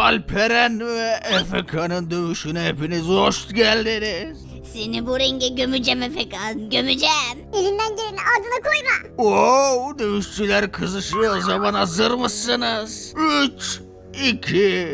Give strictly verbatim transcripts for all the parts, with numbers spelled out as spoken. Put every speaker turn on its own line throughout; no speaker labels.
Alperen ve Efekan'ın dövüşüne hepiniz hoş geldiniz.
Seni bu ringe gömeceğim Efekan, gömeceğim.
Elinden geleni ardına koyma.
Oo, dövüşçüler kızışıyor, o zaman hazır mısınız? üç, iki,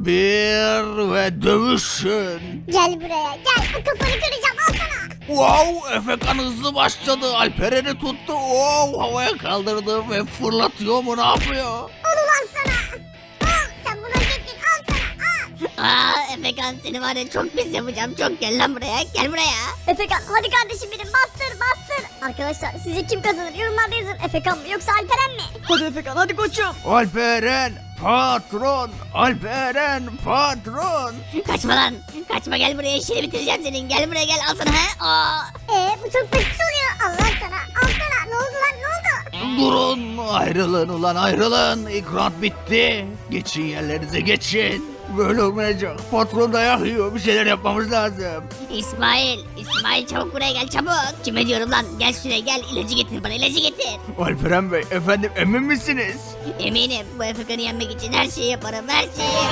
bir ve dövüşün.
Gel buraya gel, o kafanı kıracağım, al sana.
Wow, Efekan hızlı başladı, Alperen'i tuttu, wow, havaya kaldırdı ve fırlatıyor mu, ne yapıyor?
Al ulan sana. Al, sen bunu hak ettin, al sana, al.
Aa Efekan, seni var ya çok pis yapacağım, çok gel lan buraya, gel buraya.
Efekan hadi kardeşim benim, bastır bastır. Arkadaşlar sizce kim kazanır, yorumlarda yazın. Efekan mı yoksa Alperen mi?
Hadi Efekan hadi koçum.
Alperen patron, Alperen patron.
Kaçma lan, kaçma, gel buraya, işini bitireceğim senin, gel buraya gel, al sana he. Aa.
Ee bu çok basit oluyor. Allah sana, al sana. Ne oldu lan, ne oldu?
Durun, ayrılın ulan ayrılın, ilk round bitti. Geçin yerlerinize, geçin. Böyle olmayacak, patron dayak yiyor, bir şeyler yapmamız lazım.
İsmail, İsmail çabuk buraya gel çabuk. Kime diyorum lan, gel şuraya gel, ilacı getir bana, ilacı getir.
Alperen Bey, efendim emin misiniz?
Eminim, bu Efekan'ı yenmek için her şeyi yaparım, her şeyi.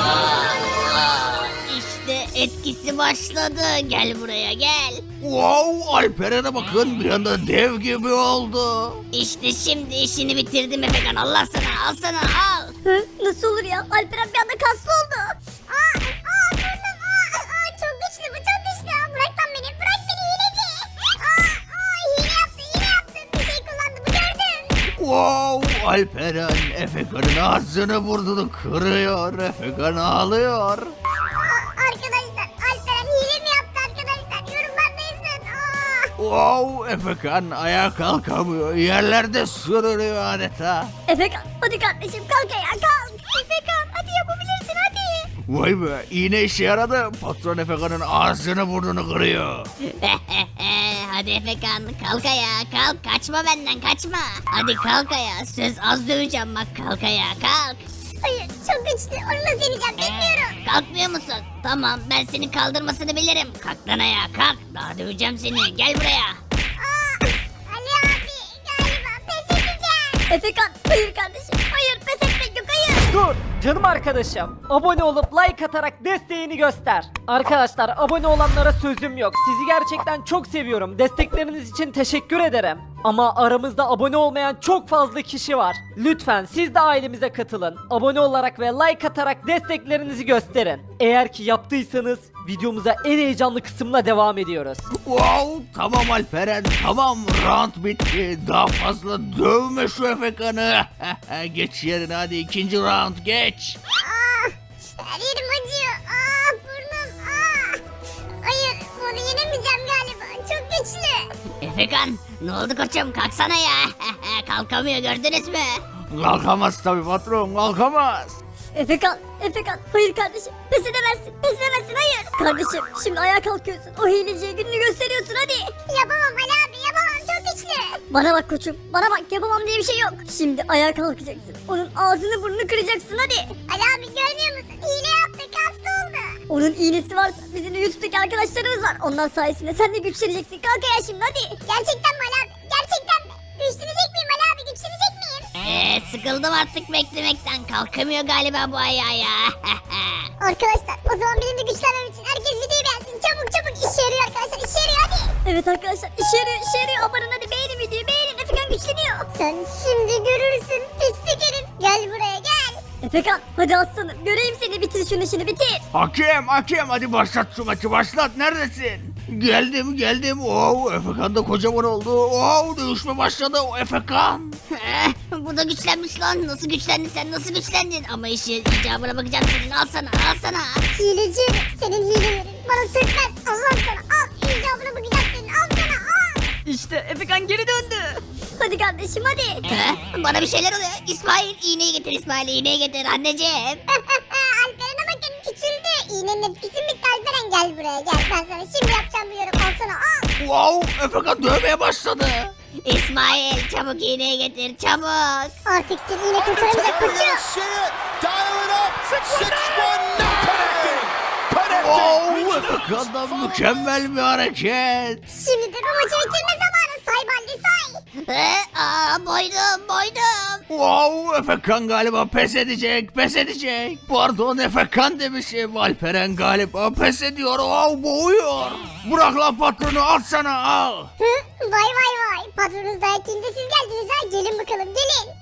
Aa, İşte etkisi başladı, gel buraya gel.
Wow, Alperen'e bakın, bir anda dev gibi oldu.
İşte şimdi işini bitirdim Efekan, Allah sana, al sana, al.
Hı? Nasıl olur ya? Alperen bir anda kaslı oldu. Aa, aa burnum, aa, aa, çok güçlü bu, çok güçlü. Bırak lan beni, bırak beni hileci. Aa, aa, hile yaptı, hile yaptı. Bir şey kullandı, bu gördün.
Wow, Alperen Efekan'ın ağzını burnunu kırıyor, Efekan ağlıyor.
Aa, arkadaşlar, Alperen hile mi yaptı arkadaşlar? Yorumlarda yazın. Aa.
Wow, Efekan ayağa kalkamıyor, yerlerde sürünüyor adeta.
Efekan, hadi kardeşim kalk ayağa, kalk. Efekan, hadi yapabilirsin, hadi.
Vay be, iğne işe yaradı, patron Efekan'ın ağzını burnunu kırıyor.
Hadi Efekan, kalk ayağa, kalk, kaçma benden, kaçma. Hadi kalk ayağa, söz az döveceğim bak, kalk ayağa, kalk.
Hayır, çok güçlü. Onu nasıl yeneceğim bilmiyorum.
Kalkmıyor musun? Tamam, ben seni kaldırmasını bilirim. Kalk lan ayağa, kalk. Daha döveceğim seni, gel buraya.
Aa, Ali abi galiba pes edeceğim. Efekan, hayır kardeşim. Hayır, pes etmek yok, hayır.
Dur canım arkadaşım. Abone olup like atarak desteğini göster. Arkadaşlar abone olanlara sözüm yok. Sizi gerçekten çok seviyorum. Destekleriniz için teşekkür ederim. Ama aramızda abone olmayan çok fazla kişi var. Lütfen siz de ailemize katılın. Abone olarak ve like atarak desteklerinizi gösterin. Eğer ki yaptıysanız videomuza en heyecanlı kısımla devam ediyoruz.
Wow, tamam Alperen, tamam, round bitti, daha fazla dövme şu Efekan'ı. Geç yerine, hadi ikinci round geç.
Aa, her yerim acıyor. Aa, burnum. Aa. Hayır, bunu yenemeyeceğim galiba. Çok güçlü.
Efekan, ne oldu koçum? Kalksana ya. Kalkamıyor, gördünüz mü?
Kalkamaz tabii patron, kalkamaz.
Efekan, Efekan. Hayır kardeşim. Pes edemezsin. Pes edemezsin, hayır. Kardeşim, şimdi ayağa kalkıyorsun. O hileciye gününü gösteriyorsun, hadi. Yapamam Ali abi, yapamam. Çok güçlü. Bana bak koçum. Bana bak, yapamam diye bir şey yok. Şimdi ayağa kalkacaksın. Onun ağzını burnunu kıracaksın, hadi. Ali abi görmüyor musun? Hile yaptı, kaslı oldu. Onun iğnesi varsa bizim de YouTube'daki arkadaşlarımız var. Onlar sayesinde sen de güçleneceksin. Kalk ayağa şimdi, hadi. Gerçekten mi Ali abi? Gerçekten mi? Güçlenecek miyim Ali abi? Güçlenecek miyim?
Ee, sıkıldım artık beklemekten. Kalkamıyor galiba bu ayağa ya.
Arkadaşlar o zaman benim de güçlenmem için herkes videoyu beğensin. Çabuk çabuk, işe yarıyor arkadaşlar, işe yarıyor, hadi. Evet arkadaşlar, işe yarıyor, işe yarıyor. Amanın hadi beğenin videoyu, beğenin. Efekan güçleniyor. Sen şimdi görürsün pislik herif. Gel buraya gel. Efekan hadi aslanım, göreyim seni, bitir şunu, işini bitir.
Hakem, hakem, hadi başlat şu maçı, başlat, neredesin? Geldim, geldim, wow, Efekan da kocaman oldu, wow, dövüşme başladı, o Efekan.
Bu da güçlenmiş lan. Nasıl güçlendin sen, nasıl güçlendin? Ama işi icabına bakacağım senin, al sana, al sana.
Hileci, senin hilelerin bana sökmez. Allah sana, al. İcabına bakacağım senin, al sana, al.
İşte Efekan geri döndü.
Hadi kardeşim, hadi.
He? Bana bir şeyler oluyor. İsmail, iğneyi getir İsmail, iğneyi getir anneciğim.
Alperen'e bakın, küçüldü. İğnenin etkisi mi bitti Alperen? Gel buraya gel. Ben sana şimdi yapacağım bu yorum. Al sana, al.
Wow, Efekan dövmeye başladı.
İsmail, çabuk iğneyi getir, çabuk.
Artık seni iğne kurtaramayacak koçum.
Wow, Efekan'dan mükemmel bir hareket.
Şimdi de bu maçı bitirme zamanı. Say say Baldi say.
Ee, aa, boydum boydum.
Wow, Efekan galiba pes edecek, pes edecek. Pardon, Efekan demişim. Alperen galiba pes ediyor. Wow, boğuyor. Bırak lan patronu, al sana, al.
Hı? Vay vay vay. Patronunuz dayak yiyince siz geldiniz ha. Gelin bakalım gelin.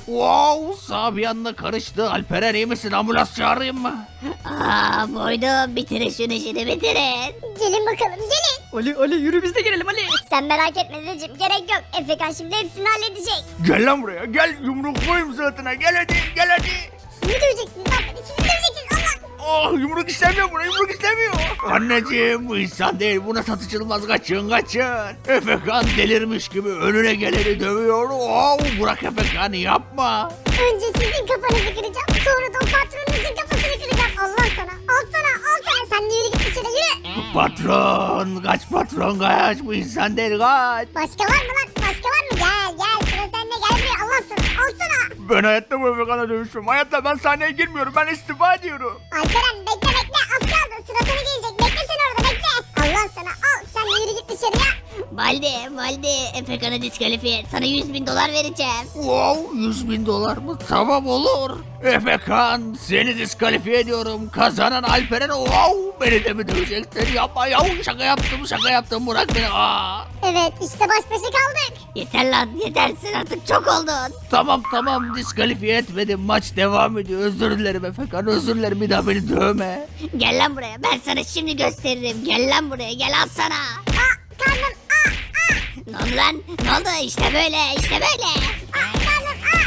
Wow, sağ bir anda karıştı. Alperen iyi misin? Ambulans çağırayım mı?
Aa, boydum, bitirin şunu şimdi bitirin.
Gelin bakalım gelin.
Ali Ali yürü biz de gelelim Ali.
Sen merak etme dedeciğim gerek yok. Efekan şimdi hepsini halledecek.
Gel lan buraya, gel yumruklayayım suratına. Gel hadi, gel hadi.
Siz mi döveceksiniz lan beni? Siz mi döveceksiniz Allah?
Oh, yumruk istemiyor buna, yumruk istemiyor. Anneciğim, bu insan değil, buna satışılmaz, kaçın kaçın. Efekan delirmiş gibi önüne geleni dövüyor. Oh, bırak Efekan'ı, yapma.
Önce sizin kafanızı kıracağım. Sonra da o patronunuzun kafasını kıracağım. Allah sana. Al sana. Al sana. Sen de yürü git dışarı yürü.
Patron, kaç patron kaç, bu insan değil, kaç.
Başka var mı lan? Başka var mı? Gel gel. Sıra sende. Gel buraya. Allah sana. Al sana.
Ben hayatta bu Efekan'a dövüşmem. Hayatta ben sahneye girmiyorum, ben istifa ediyorum.
Alperen bekle bekle. Az kaldı. Sıra sana gelecek. Bekle sen orada bekle. Allah sana. Al. Sen de yürü git dışarıya.
Baldi, Baldi, Efekan'ı diskalifiye et. Sana yüz bin dolar vereceğim.
Wow, yüz bin dolar mı? Tamam, olur. Efekan, seni diskalifiye ediyorum. Kazanan Alperen. Wow, beni de mi döveceksin? Yapma ya, şaka yaptım, şaka yaptım, bırak beni. Aa.
Evet işte baş başa kaldık.
Yeter lan, yeter, sen artık çok oldun.
Tamam tamam, diskalifiye etmedim, maç devam ediyor. Özür dilerim Efekan, özür dilerim, bir daha beni dövme.
Gel lan buraya, ben sana şimdi gösteririm. Gel lan buraya, gel al sana.
Aa karnım. Aa aa.
Ne oldu lan? Ne oldu? İşte böyle, işte böyle.
Aa karnım. Aa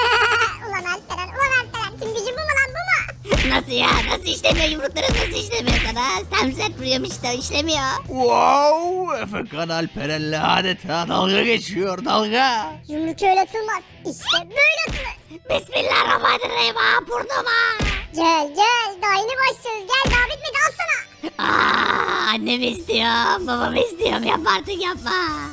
aa. Ulan Alperen. Ulan Alperen. Tüm gücün bu mu lan bu mu?
Nasıl ya? Nasıl işlemiyor yumrukların, nasıl işlemiyor sana? Sen sert vuruyorum işte, işlemiyor.
Wow, Efekan Alperen'le adeta dalga geçiyor, dalga.
Yumruk öyle atılmaz. İşte böyle atılır.
Bismillahirrahmanirrahim. Aa, burnuma.
Gel gel. Daha yeni başlıyoruz. Gel daha bitmedi. Al sana.
Aa, annemi istiyorum, babamı istiyorum. Yapma artık, yapma.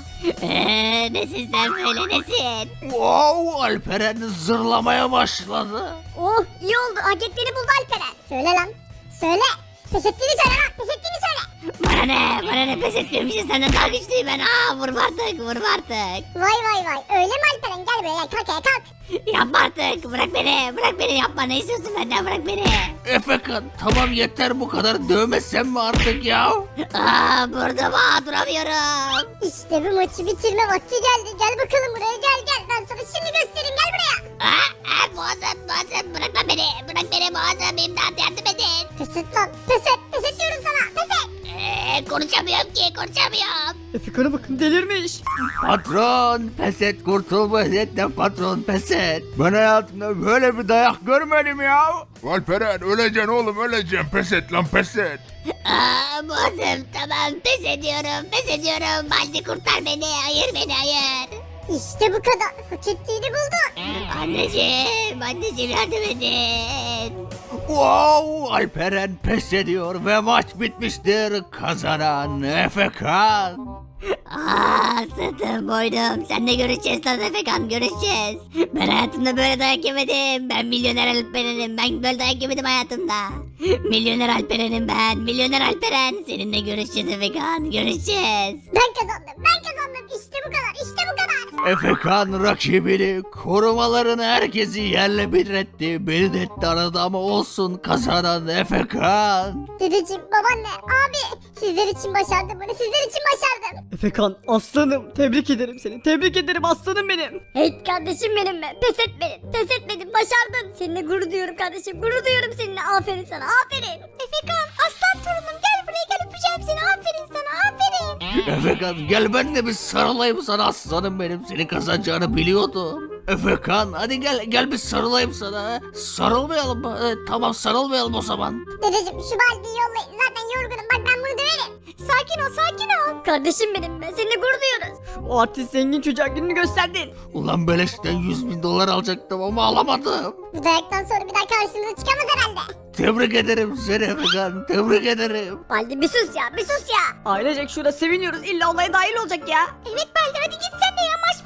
Eee, nesin sen böyle, nesin?
Wow, Alperen zırlamaya başladı.
Oh iyi oldu. Hak ettiğini buldu Alperen. Söyle lan. Söyle. Pes ettiğini söyle lan. Pes ettiğini söyle.
Bana ne, bana ne, pes etmiyormuşsun, senden daha güçlüyüm ben. Aa, vurma artık, vurma artık.
Vay vay vay. Öyle mi Alperen? Gel buraya. Kalk ya kalk.
Yapma artık, bırak beni, bırak beni, yapma. Ne istiyorsun benden, bırak beni.
Efekan, tamam yeter, bu kadar dövmesen mi artık ya?
Aa, burnuma, duramıyorum.
İşte bu maçı bitirme vakti geldi. Gel bakalım buraya. Gel gel. Ben sana şimdi göstereyim. Gel buraya.
Aa, aa, boğazım, boğazım, bırak lan beni, bırak beni, boğazım, imdat, yardım edin.
Pes et lan. Pes et. Pes et diyorum sana. Pes et.
Ee, konuşamıyorum ki, konuşamıyorum.
Efekan'a bakın delirmiş.
Patron, pes et, kurtul bu eziyetten patron, pes et. Ben hayatımda böyle bir dayak görmedim ya.
Alperen öleceksin oğlum öleceksin pes et lan pes et.
Aa, boğazım, tamam, pes ediyorum, pes ediyorum. Baldi, kurtar beni, hayır beni, hayır.
İşte bu kadar. Hak ettiğini buldun.
Anneciğim, anneciğim, yardım edin.
Wow, Alperen pes ediyor ve maç bitmiştir. Kazanan Efekan.
Aa, sırtım, boynum. Seninle görüşeceğiz lan Efekan, görüşeceğiz. Ben hayatımda böyle dayak yemedim. Ben milyoner Alperen'im. Ben böyle dayak yemedim hayatımda. Milyoner Alperen'im ben. Milyoner Alperen. Seninle görüşeceğiz Efekan, görüşeceğiz.
Ben kazandım. Ben kazandım. İşte bu kadar. İşte bu kadar.
Efekan rakibini, korumalarını, herkesi yerle bir etti. Beni de etti aradı ama olsun, kazanan Efekan.
Dedeciğim, babaanne, abi. Sizler için başardım bunu. Sizler için başardım.
Efekan aslanım tebrik ederim seni. Tebrik ederim aslanım benim.
Hey kardeşim benim be. Pes etmedin. Pes etmedin. Başardın. Seninle gurur duyuyorum kardeşim. Gurur duyuyorum seninle. Aferin sana. Aferin. Efekan aslan torunum gel buraya gel öpeceğim seni. Aferin sana. Aferin.
Efekan, gel ben de bir sarılayım sana aslanım benim. Seni kazanacağını biliyordum. Efekan, hadi gel gel bir sarılayım sana. Sarılmayalım mı? Evet, tamam, sarılmayalım o zaman.
Dedeciğim şu baldiyi yollayın. Zaten yorgunum. Bak ben bunu döverim. Sakin ol sakin ol. Kardeşim benim be. Seninle gurur duyuyoruz.
O artist zengin çocuğa gününü gösterdin.
Ulan beleşten yüz bin dolar alacaktım ama alamadım.
Bu dayaktan sonra bir daha karşımıza çıkamaz herhalde.
Tebrik ederim seni Efekan, tebrik ederim.
Baldi bir sus ya. Bir sus ya.
Ailecek şurada seviniyoruz. İlla olaya dahil olacak ya.
Evet Baldi hadi git sen de ya. Maç bitti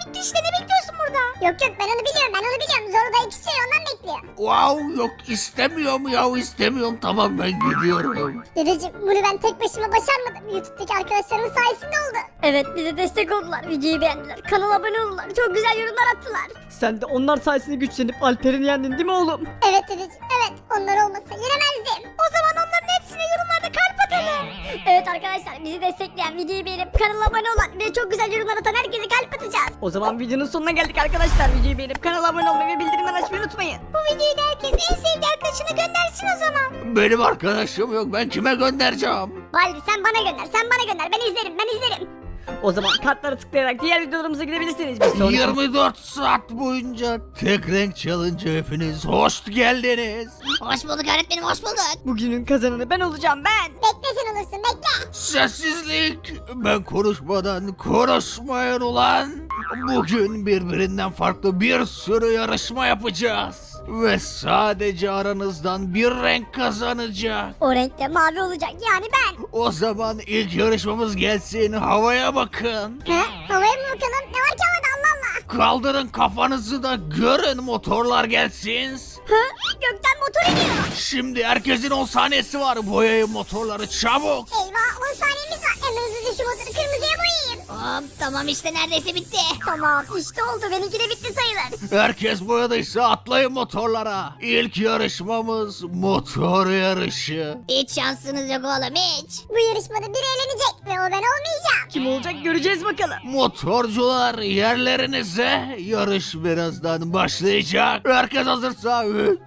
gitti işte, ne bekliyorsun burada? Yok yok, ben onu biliyorum ben onu biliyorum. Zorlu dayı istiyor, ondan bekliyor.
Wow, yok istemiyorum ya, istemiyorum. Tamam, ben gidiyorum.
Dedeciğim, bunu ben tek başıma başarmadım. YouTube'daki arkadaşlarımın sayesinde oldu. Evet, bize destek oldular. Videoyu beğendiler. Kanala abone oldular. Çok güzel yorumlar attılar.
Sen de onlar sayesinde güçlenip Alper'i yendin değil mi oğlum?
Evet dedeciğim, evet. Onlar olmasa yenemezdim. O zaman onların hepsine yorumlarda kalp atalım. Evet arkadaşlar, bizi destekleyen, videoyu beğenip kanala abone olan ve çok güzel yorumlar atan herkese kalp atacağız.
O zaman videonun sonuna geldik arkadaşlar. Videoyu beğenip kanala abone olmayı ve bildirimleri açmayı unutmayın.
Bu videoyu da herkes en sevdiği arkadaşına göndersin o zaman.
Benim arkadaşım yok, ben kime göndereceğim?
Baldi sen bana gönder, sen bana gönder. Ben izlerim, ben izlerim.
O zaman kartlara tıklayarak diğer videolarımıza gidebilirsiniz. Bir sonraki...
yirmi dört saat boyunca tek renk challenge hepiniz hoş geldiniz.
Hoş bulduk öğretmenim, hoş bulduk.
Bugünün kazananı ben olacağım ben.
Bekle sen olursun, bekle.
Sessizlik. Ben konuşmadan konuşmayın ulan. Bugün birbirinden farklı bir sürü yarışma yapacağız. Ve sadece aranızdan bir renk kazanacak.
O renkte mavi olacak, yani ben.
O zaman ilk yarışmamız gelsin, havaya bakın.
He? Havaya mı bakalım? Ne var ki havada, Allah Allah.
Kaldırın kafanızı da görün, motorlar gelsin.
Hı? Gökten motor iniyor.
Şimdi herkesin on saniyesi var, boyayın motorları çabuk.
Eyvah, on saniyemiz var. Hemen hızlıca şu motoru kırmızıya boyayayım.
Hop, tamam işte neredeyse bitti.
Tamam, işte oldu. Benimki de bitti sayılır.
Herkes boyadıysa atlayın motorlara. İlk yarışmamız motor yarışı.
Hiç şansınız yok oğlum, hiç.
Bu yarışmada biri eğlenecek ve o ben olmayacağım.
Kim olacak göreceğiz bakalım.
Motorcular yerlerinize, yarış birazdan başlayacak. Herkes hazırsa üç,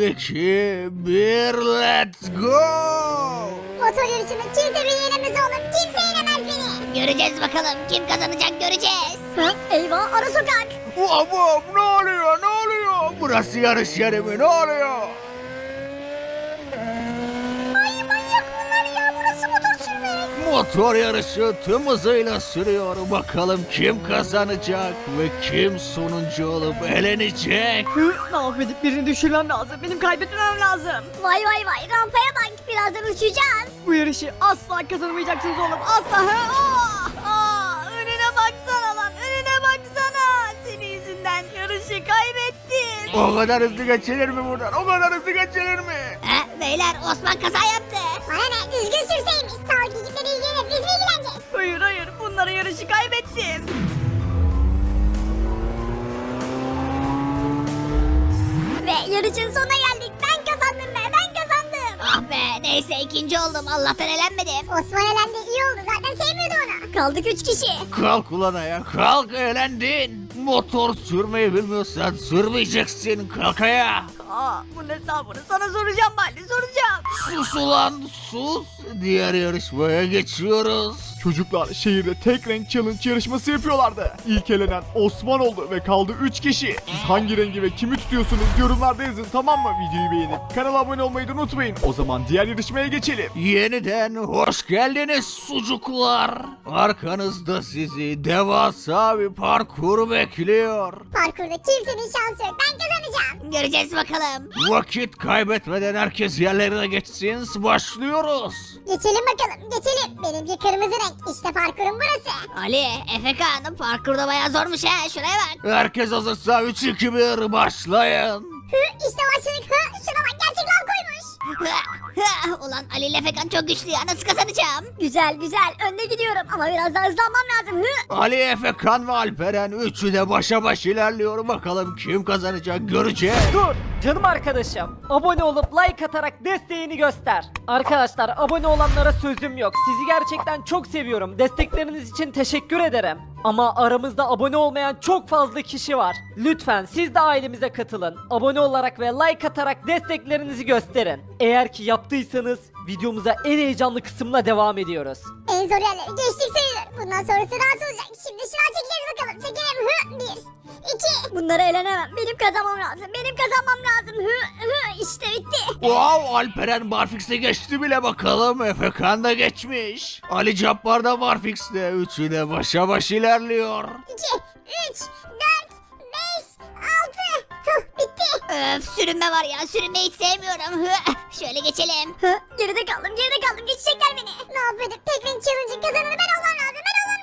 iki, bir, let's go!
Motor yarışında kimse beni yenemez oğlum. Kimse yenemez beni.
Göreceğiz bakalım, kim kazanacak göreceğiz.
Hı? Eyvah, ara sokak.
Babam, ne oluyor, ne oluyor? Burası yarış yeri mi, ne oluyor?
Ay manyak bunlar ya. Burası motor sürmek.
Motor yarışı tüm hızıyla sürüyor. Bakalım kim kazanacak ve kim sonuncu olup elenecek?
Hı, ne yapıp birini düşürmem lazım. Benim kaybetmemem lazım.
Vay vay vay, rampaya bak. Birazdan uçacağız.
Bu yarışı asla kazanamayacaksınız oğlum. Asla. Hı, aa, aa, önüne baksana lan. Önüne baksana. Senin yüzünden yarışı kaybettim.
O kadar hızlı geçilir mi buradan? O kadar hızlı geçilir mi?
Ha, beyler Osman kaza yaptı.
Bana ne? Düzgün sürseymiş. Sağ ol gidipleri ilgilenir. Biz mi ilgileneceğiz?
Hayır hayır. Bunlara yarışı kaybettim.
Ve yarışın sonuna geldik. Ben kazandım be. Ben kazandım.
Ah be, neyse ikinci oldum, Allah'tan elenmedim.
Osman elendi. İyi oldu. Zaten sevmiyordu onu. Kaldık üç kişi.
Kalk ulan ayağa, kalk, eğlendin. Motor sürmeyi bilmiyorsan sürmeyeceksin, kalk ayağa.
Aa, bunun hesabını sana soracağım Baldi. Soracağım.
Sus ulan sus. Diğer yarışmaya geçiyoruz.
Çocuklar şehirde tek renk challenge yarışması yapıyorlardı. İlk elenen Osman oldu ve kaldı üç kişi. Siz hangi rengi ve kimi tutuyorsunuz yorumlarda yazın, tamam mı? Videoyu beğenip kanala abone olmayı da unutmayın. O zaman diğer yarışmaya geçelim.
Yeniden hoş geldiniz sucuklar. Arkanızda sizi devasa bir parkur bekliyor.
Parkurda kimsenin şansı yok. Ben kazanacağım.
Göreceğiz bakalım.
Vakit kaybetmeden herkes yerlerine geçsin. Başlıyoruz.
Geçelim bakalım. Geçelim. Benimki kırmızı renk. İşte parkurun burası.
Ali, Efekan, parkurda bayağı zormuş ha, şuraya bak.
Herkes hazırsa üç iki bir başlayın.
Hı, işte başladık. Hı, şuna bak, gerçek lav koymuş.
Hı, hı. Ulan Ali ile Efekan çok güçlü ya, nasıl kazanacağım?
Güzel güzel. Önde gidiyorum ama biraz daha hızlanmam lazım. Hı.
Ali, Efekan ve Alperen üçü de başa baş ilerliyor. Bakalım kim kazanacak göreceğiz.
Dur canım arkadaşım. Abone olup like atarak desteğini göster. Arkadaşlar abone olanlara sözüm yok. Sizi gerçekten çok seviyorum. Destekleriniz için teşekkür ederim. Ama aramızda abone olmayan çok fazla kişi var. Lütfen siz de ailemize katılın. Abone olarak ve like atarak desteklerinizi gösterin. Eğer ki yaptıysanız videomuza en heyecanlı kısımla devam ediyoruz.
En zor yerleri geçtik sayılır. Bundan sonrası rahat olacak. Şimdi şınav çekeceğiz bakalım. Çekelim. Hı. Bir. İki. Bunları eğlenemem. Benim kazanmam lazım. Benim kazanmam lazım. Hı. Hı. İşte bitti.
Wow, Alperen Barfix'e geçti bile bakalım. Efekan da geçmiş. Ali Cabbar da Barfix'te. Üçü de başa baş ilerliyor.
İki. Üç. Dört. Beş. Altı. Hı. Bitti.
Öf, sürünme var ya, sürünmeyi hiç sevmiyorum. Hı, şöyle geçelim.
Hı. Geride kaldım. Geride kaldım. Geçecekler beni. Ne yapıyorduk? Tek renk challenge'ın kazananı ben olmam lazım. Ben olmam lazım.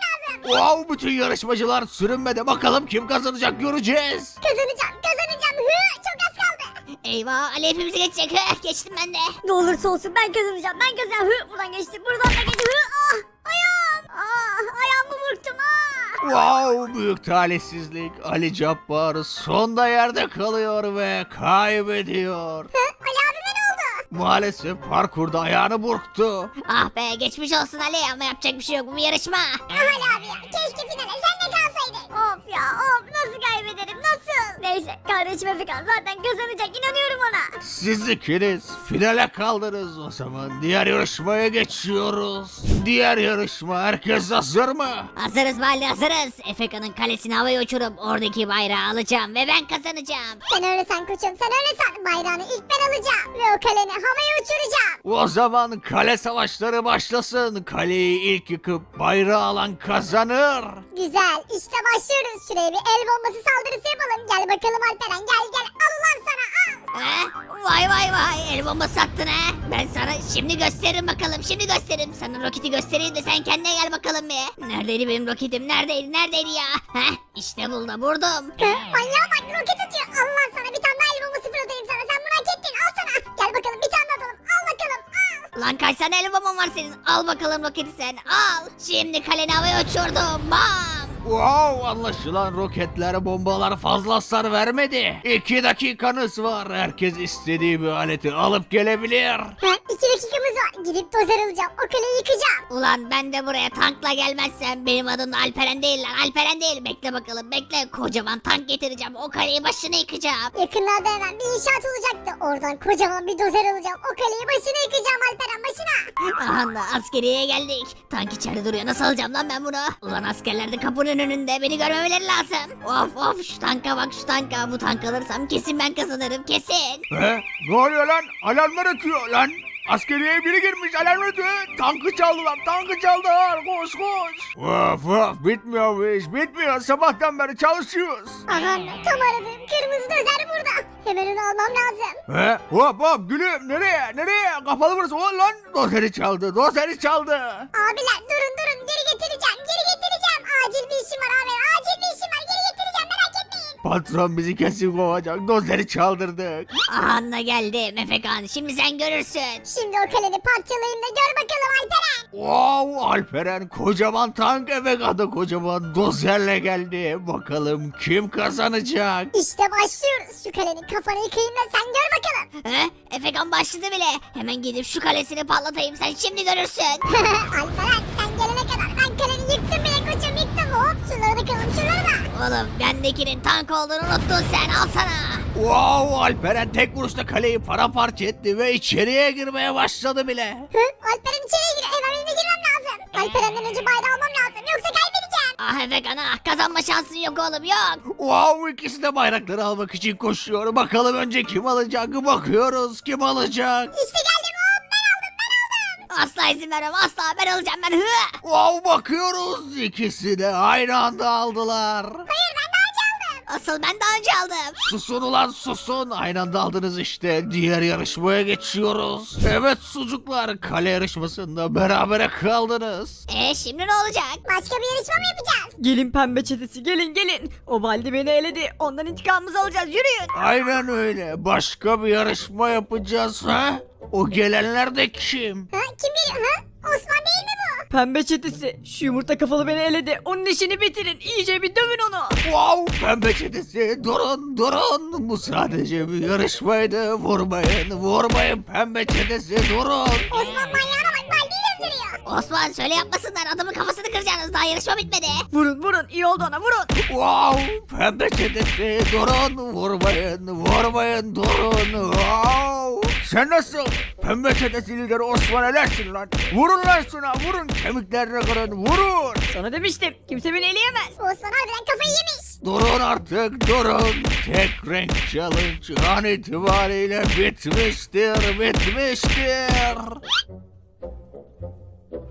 Wow, bütün yarışmacılar sürünmede, bakalım kim kazanacak göreceğiz.
Kazanacağım kazanacağım. Hı, çok az kaldı. Eyvah Ali hepimizi geçecek. Hı, geçtim ben de.
Ne olursa olsun ben kazanacağım. Ben kazanacağım. Hı, buradan geçtim. Buradan da geçtim. Hı, ah ayağım. Ah ayağımı burktum. Ah.
Wow, büyük talihsizlik. Ali Cabbar sonda yerde kalıyor ve kaybediyor.
Hı, Ali abime ne oldu?
Maalesef parkurda ayağını burktu.
Ah be geçmiş olsun Ali ama yapacak bir şey yok bu bir yarışma. Ah Ali abi ya keşke finale sen de kalsaydın.
Of ya of nasıl kaybederim nasıl? Neyse kardeşim Efekan zaten kazanacak inanıyorum ona.
Siz ikiniz finale kaldınız. O zaman diğer yarışmaya geçiyoruz. Diğer yarışma, herkes hazır mı?
Hazırız Valide hazırız. Efekan'ın kalesini havaya uçurup oradaki bayrağı alacağım ve ben kazanacağım.
Sen öyle san koçum sen öyle san. Bayrağını ilk ben alacağım. Ve o kaleni havaya uçuracağım.
O zaman kale savaşları başlasın. Kaleyi ilk yıkıp bayrağı alan kazanır.
Güzel işte başlıyoruz. Şuraya bir el bombası saldırısı yapalım. Gel bakalım Alperen gel gel. Al ulan sana al.
He? Vay vay vay el bombası attın he. Ben sana şimdi gösteririm bakalım şimdi gösteririm. Sana roketi göstereyim de sen kendine gel bakalım bir. Neredeydi benim roketim neredeydi neredeydi ya? Heh işte buldu vurdum.
Hı, manyağa bak roket atıyor. Al lan sana bir tane daha el bombası fırlatayım sana. Sen bunu hak ettin al sana. Gel bakalım bir tane daha atalım. Al bakalım al.
Lan kaç tane el bomban var senin? Al bakalım roketi sen al. Şimdi kaleni havaya uçurdum bam.
Wow, anlaşılan roketler, bombalar fazla hasar vermedi. İki dakikanız var. Herkes istediği bir aleti alıp gelebilir.
Ha, iki dakikamız var. Gidip dozer alacağım. O kaleyi yıkacağım.
Ulan ben de buraya tankla gelmezsem benim adım da Alperen değil lan Alperen değil. Bekle bakalım bekle kocaman tank getireceğim o kaleyi başına yıkacağım.
Yakınlarda hemen bir inşaat olacaktı. Oradan kocaman bir dozer alacağım. O kaleyi başına yıkacağım Alperen başına.
Aha da askeriye geldik. Tank içeride duruyor nasıl alacağım lan ben bunu? Ulan askerler de kapının önünde beni görmemeleri lazım. Of of şu tanka bak şu tanka bu tank alırsam kesin ben kazanırım kesin.
He? Ne oluyor lan? Alarmlar ötüyor lan. Askeriyeye biri girmiş, alarm ötüyor. Tankı çaldılar, tankı çaldılar. Koş koş. Of of, bitmiyor bu iş, bitmiyor. Sabahtan beri çalışıyoruz.
Aha tam aradığım kırmızı dozer burada. Hemen onu almam lazım.
He? Hop hop gülüm, nereye, nereye? Kapalı burası. O lan, dozeri çaldı, dozeri çaldı.
Abiler durun durun geri getireceğim. Geri getireceğim. Acil bir işim var abi. Acil bir işim var. Geri getireceğim merak etmeyin.
Patron bizi kesin kovacak, dozeri çaldırdık.
Aha da geldim Efekan şimdi sen görürsün.
Şimdi o kaleni parçalayayım da gör bakalım Alperen.
Wow, Alperen kocaman tank, eve kadar kocaman dozerle geldi. Bakalım kim kazanacak?
İşte başlıyoruz. Şu kalenin kafanı yıkayayım da sen gör bakalım.
He? Efekan başladı bile. Hemen gidip şu kalesini patlatayım sen şimdi görürsün.
Alperen sen gelene kadar ben kaleni yıktım bile koçum yıktım. Hop şunları da kıralım şunları da.
Oğlum bendekinin tank olduğunu unuttun sen al sana.
Wow, Alperen tek vuruşta kaleyi paramparça etti ve içeriye girmeye başladı bile.
Hı? Alperen içeriye gir. Hemen benim de girmem lazım. Alperen'den önce bayrağı almam lazım. Yoksa kaybedeceğim.
Ah Efekan ah kazanma şansın yok oğlum yok.
Wow, ikisi de bayrakları almak için koşuyor. Bakalım önce kim alacak? Bakıyoruz kim alacak?
İşte geldim hop ben aldım ben aldım.
Asla izin vermem asla ben alacağım ben hı.
Wow, bakıyoruz ikisi de aynı anda aldılar.
Hayır ben daha önce aldım.
Asıl ben daha önce aldım.
Susun ulan susun. Aynı anda aldınız işte. Diğer yarışmaya geçiyoruz. Evet sucuklar, kale yarışmasında berabere kaldınız.
E şimdi ne olacak?
Başka bir yarışma mı yapacağız?
Gelin pembe çetesi gelin gelin. O Baldi beni eledi. Ondan intikamımızı alacağız yürüyün.
Aynen öyle. Başka bir yarışma yapacağız ha? O gelenler de kim?
Ha? Kim geliyor ha? Osman değil mi bu?
Pembe çetesi şu yumurta kafalı beni eledi. Onun işini bitirin. İyice bir dövün onu.
Wow, pembe çetesi durun durun. Bu sadece bir yarışmaydı. Vurmayın vurmayın pembe çetesi durun.
Osman manyağına bak Baldi'yi döndürüyor.
Osman söyle yapmasınlar adamın kafasını kıracaksınız daha yarışma bitmedi.
Vurun vurun iyi oldu ona vurun.
Wow, pembe çetesi durun. Vurmayın vurmayın durun. Wow. Sen nasıl? Pembe çetesi lideri Osman elersin lan. Vurun lan şuna vurun. Kemiklerini kırın vurun.
Sana demiştim kimse beni eleyemez.
Osman harbiden kafayı yemiş.
Durun artık durun. Tek renk challenge an itibariyle bitmiştir bitmiştir.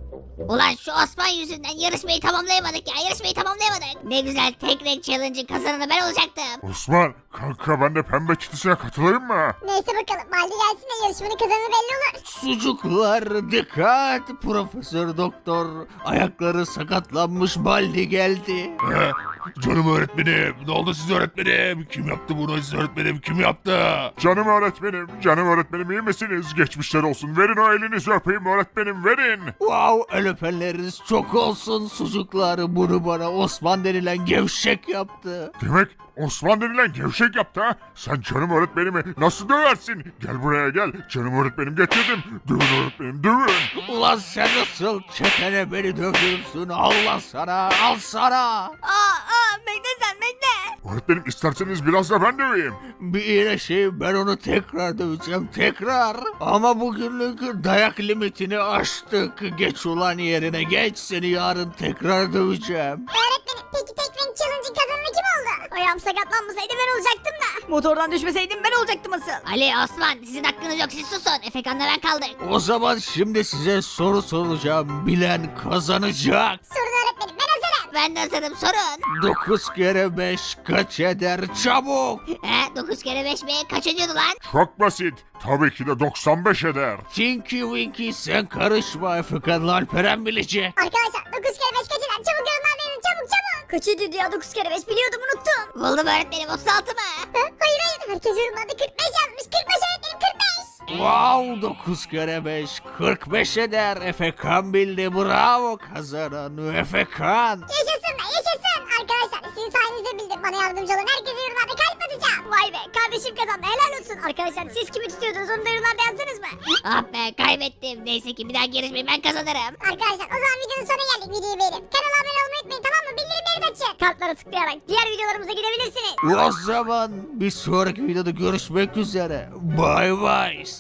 Ulan şu Osman yüzünden yarışmayı tamamlayamadık ya yarışmayı tamamlayamadık. Ne güzel tek renk challenge'ın kazananı ben olacaktım.
Osman kanka ben de pembe çetesine katılayım mı?
Neyse bakalım Baldi gelsin de yarışmanın kazananı belli olur.
Sucuklar dikkat. Profesör doktor ayakları sakatlanmış Baldi geldi.
He? Canım öğretmenim. Ne oldu siz öğretmenim? Kim yaptı bunu siz öğretmenim? Kim yaptı? Canım öğretmenim. Canım öğretmenim iyi misiniz? Geçmişler olsun. Verin o elinizi öpeyim öğretmenim verin.
Wow, el öpenleriniz çok olsun sucuklar. Bunu bana Osman denilen gevşek yaptı.
Demek Osman denilen gevşek yaptı ha? Sen canım öğretmenimi nasıl döversin? Gel buraya gel. Canım öğretmenim getirdim. Dövün öğretmenim dövün.
Ulan sen nasıl çetene beni dövdürürsün? Allah sana, al sana.
Aa aa bekle sen bekle.
Öğretmenim isterseniz biraz da ben döveyim.
Bir iyileşeyim ben onu tekrar döveceğim tekrar. Ama bugünlük dayak limitini aştık. Geç ulan yerine geç seni yarın tekrar döveceğim.
Öğretmenim peki tek renk challenge'ın kazananı kim oldu?
Ayağım sakatlanmasaydı ben olacaktım da. Motordan düşmeseydim ben olacaktım asıl.
Ali Osman sizin hakkınız yok siz susun. Efekan'la ben kaldık.
O zaman şimdi size soru soracağım. Bilen kazanacak.
Sorun öğretmenim ben hazırım.
Ben de hazırım sorun.
dokuz kere beş kaç eder çabuk.
He dokuz kere beş mi? Kaç ediyordu lan?
Çok basit. Tabii ki de doksan beş eder.
Tinky Winky sen karışma Efekan'la Alperen bilecek.
Arkadaşlar dokuz kere beş kaç eder? Çabuk yorumlarda yazın çabuk çabuk.
Kaç ediyordu ya dokuz kere beş biliyordum unuttum.
Buldum öğretmenim otuz altı mı?
Hı? Hayır hayır herkes yorumlarda kırk beş yazmış. kırk beş öğretmenim kırk beş.
Wow dokuz kere beş kırk beş eder. Efekan bildi bravo kazanan Efekan.
Yaşasın be yaşasın. Arkadaşlar sizin sayenizde bildim. Bana yardımcı olun. Herkese yorumlarda kalp atacağım.
Vay be kardeşim kazandı helal olsun. Arkadaşlar siz kimi tutuyordunuz onu da yorumlarda yazsanız mı?
Ah be kaybettim. Neyse ki bir daha yarışmayı ben kazanırım.
Arkadaşlar o zaman videonun sonuna geldik. Videoyu beğenip kanala abone olmayı unutmayın tamam mı? Bildirimleri de açın.
Kartlara tıklayarak diğer videolarımıza gidebilirsiniz.
O zaman bir sonraki videoda görüşmek üzere. Bye bye.